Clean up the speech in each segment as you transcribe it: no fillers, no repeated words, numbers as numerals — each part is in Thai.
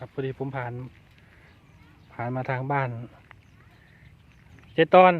ครับพอดีผมผ่านมาทางบ้านเจตอน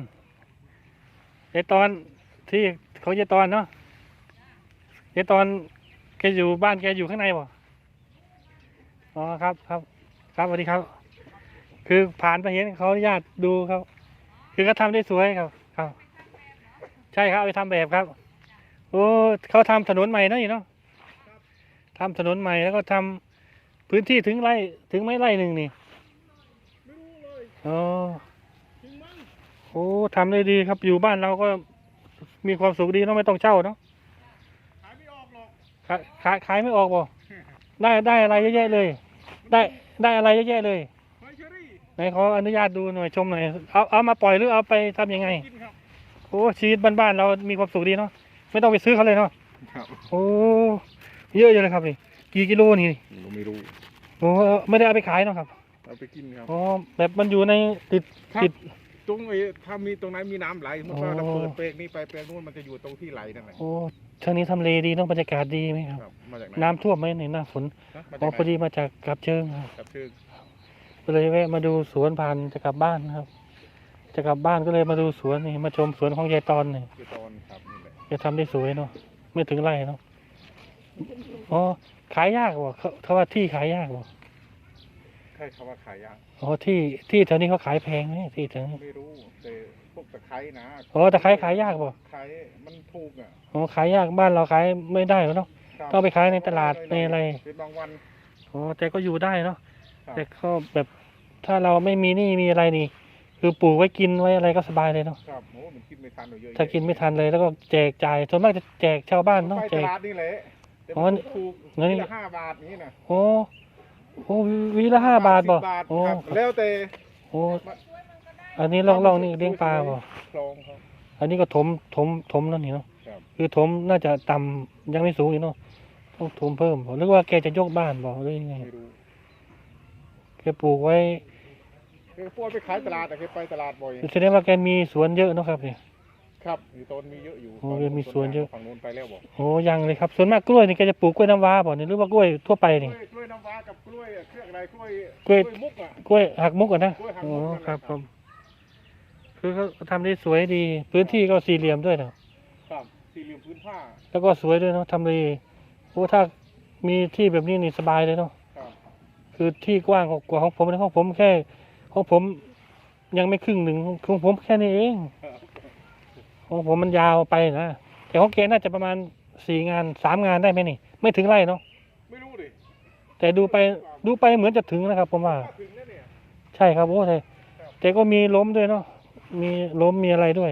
ที่เขาเจตอนเนาะเจตอนแกอยู่บ้านแกอยู่ข้างในบ่อ๋อครับสวัสดีครับคือผ่านไปเห็นเขาอนุญาตดูครับคือเขาทำได้สวยครับใช่ครับเอาไปทำแบบครับโอ้เขาทำถนนใหม่เนาะนี่เนาะทำถนนใหม่แล้วก็ทำพื้นที่ถึงไม่ไร่หนึ่งนี่ไม่รู้เลยอ๋อจริงมั้งโอ้ทำได้ดีครับอยู่บ้านเราก็มีความสุขดีเนาะไม่ต้องเช่าเนาะขายไม่ออกหรอกขายไม่ออกบ่ได้อะไรเยอะแยะเลยได้อะไรเยอะแยะเลยหอยเชอรี่ไหนขออนุญาตดูหน่อยชมหน่อยเอามาปล่อยหรือเอาไปทำยังไงกินครับโอ้ชีวิตบ้านๆเรามีความสุขดีเนาะไม่ต้องไปซื้อเขาเลยเนาะครับโอ้เยอะอยู่เลยครับนี่กี่กิโลนี่ไม่รู้โอ้ไม่ได้เอาไปขายเนาะครับเอาไปกินครับอ๋อแบบมันอยู่ในติดตรงถ้ามีตรงไหนมีน้ำไหลมันก็เราเปิดเปลกนี้ไปเปลกนู้นมันจะอยู่ตรงที่ไหลนั่นแหละโอ้ทางนี้ทำเลดีเนาะบรรยากาศดีไหมครับมาจากไหนน้ำท่วมไหมในหน้าฝนอ๋อพอดีมาจากกับเชิงครับกับเชิงก็เลยแวะมาดูสวนผ่านจะกลับบ้านนะครับจะกลับบ้านก็เลยมาดูสวนนี่มาชมสวนของยายตอนนี่ยายตอนครับนี่แหละจะทำได้สวยเนาะไม่ถึงไร่เนาะอ๋อขายยากบ่เขาว่าที่ขายยากบ่ใช่เขาว่าขายยากอ๋อที่แถวนี้เขาขายแพงไหมที่แถวนี้ไม่รู้แต่พวกตะไคร้นะอ๋อตะไคร้ขายยากบ่ขายมันถูกอ่ะอ๋อขายยากบ้านเราขายไม่ได้เนาะต้องไปขายในตลาดในอะไรเป็นบางวันอ๋อแต่ก็อยู่ได้เนาะแต่ก็แบบถ้าเราไม่มีหนี้มีอะไรนี่คือปลูกไว้กินไว้อะไรก็สบายเลยเนาะครับโอ้มันกินไม่ทันเยอะถ้ากินไม่ทันเลยแล้วก็แจกจ่ายส่วนมากจะแจกชาวบ้านเนาะแจกตลาดนี่แหละอ๋อถูกนี่ละ5 บาทนี้นะโอ้วีละ5 บาทบ่โอ้แล้วแต่โอ้อันนี้ลองนี่เลี้ยงปลาบ่คลองครับอันนี้ก็ถมแล้วนี่เนาะคือถมน่าจะต่ำยังไม่สูงอีกเนาะต้องถมเพิ่มบ่หรือว่าแกจะยกบ้านบ่หรือยังไงแกปลูกไว้แกพวกไปขายตลาดแกไปตลาดบ่อยแสดงว่าแกมีสวนเยอะเนาะครับนี่ครับอยู่ต้นมีเยอะอยู่โอ้มีสวนเยอะฝั่งโน้นไปแล้วบ่โอ้ยังเลยครับส่วนมากกล้วยนี่แกจะปลูกกล้วยน้ำว้าบ่นี่หรือว่ากล้วยทั่วไปนี่กล้วยน้ำว้ากับกล้วยเครื่องอะไรกล้วยมุกอ่ะกล้วยหักมุกอ่ะนะโอ้ครับผมคือเขาทำได้สวยดีพื้นที่ก็สี่เหลี่ยมด้วยนะครับสี่เหลี่ยมพื้นผ้าแล้วก็สวยด้วยเนาะทำเลโอ้ถ้ามีที่แบบนี้นี่สบายเลยเนาะคือที่กว้างกว่าของผมนะของผมแค่ของผมยังไม่ครึ่งหนึ่งของผมแค่นี้เองของผมมันยาวไปนะแต่ของแกน่าจะประมาณ3 งานได้ไหมนี่ไม่ถึงไร่เนาะไม่รู้ดิแต่ดูไปเหมือนจะถึงนะครับผมว่าใช่ครับโอ้แต่ก็มีล้มด้วยเนาะมีล้มมีอะไรด้วย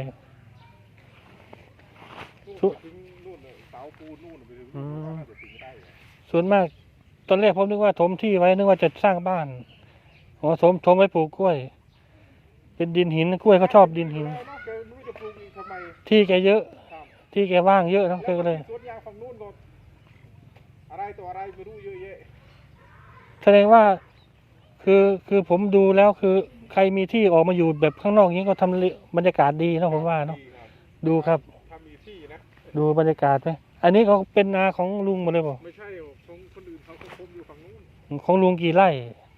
ส่วนมากตอนแรกผมนึกว่าถมที่ไว้นึกว่าจะสร้างบ้านอ๋อถมไว้ปลูกกล้วยเป็นดินหินกล้วยเขาชอบดินหินที่แกเยอะที่แกว่างเยอะเนาะก็เลยสวนยางฝั่งนู้นอะไรตัวอะไรไม่รู้เยอะแยะแสดงว่าคือผมดูแล้วคือใครมีที่ออกมาอยู่แบบข้างนอกนี้ก็ทำบรรยากาศดีเนาะผมว่าเนาะดูครับดูบรรยากาศไหมอันนี้เขาเป็นนาของลุงหมดเลยป่ะไม่ใช่ของคนอื่นเขาคมอยู่ฝั่งนู้นของลุงกี่ไร่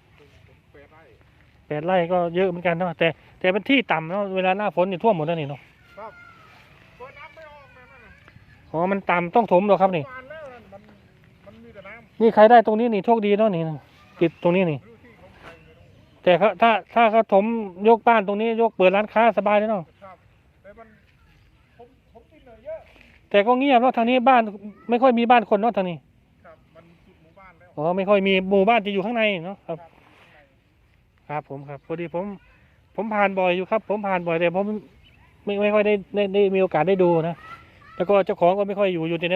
8 ไร่ 8 ไร่ก็เยอะเหมือนกันเนาะแต่เป็นที่ต่ำเนาะเวลาหน้าฝนนี่ท่วมหมดแล้วนี่เนาะครับเปิดน้ำไม่ออกนะอ๋อมันต่ำต้องถมหรอครับนี่มันมีแต่น้ำนี่ใครได้ตรงนี้นี่โชคดีเนาะนี่ติดตรงนี้นี่แต่ถ้าเขาถมยกบ้านตรงนี้ยกเปิดร้านค้าสบายเลยเนาะแต่มันผมกินเยอะแต่ก็เงียบเนาะทางนี้บ้านไม่ค่อยมีบ้านคนเนาะทางนี้ครับมันสุดหมู่บ้านแล้วอ๋อไม่ค่อยมีหมู่บ้านจะอยู่ข้างในเนาะครับผมครับพอดีผมผ่านบ่อยอยู่ครับผมผ่านบ่อยแต่ผมไม่ค่อยได้มีโอกาสได้ดูนะแล้วก็เจ้าของก็ไม่ค่อยอยู่ใน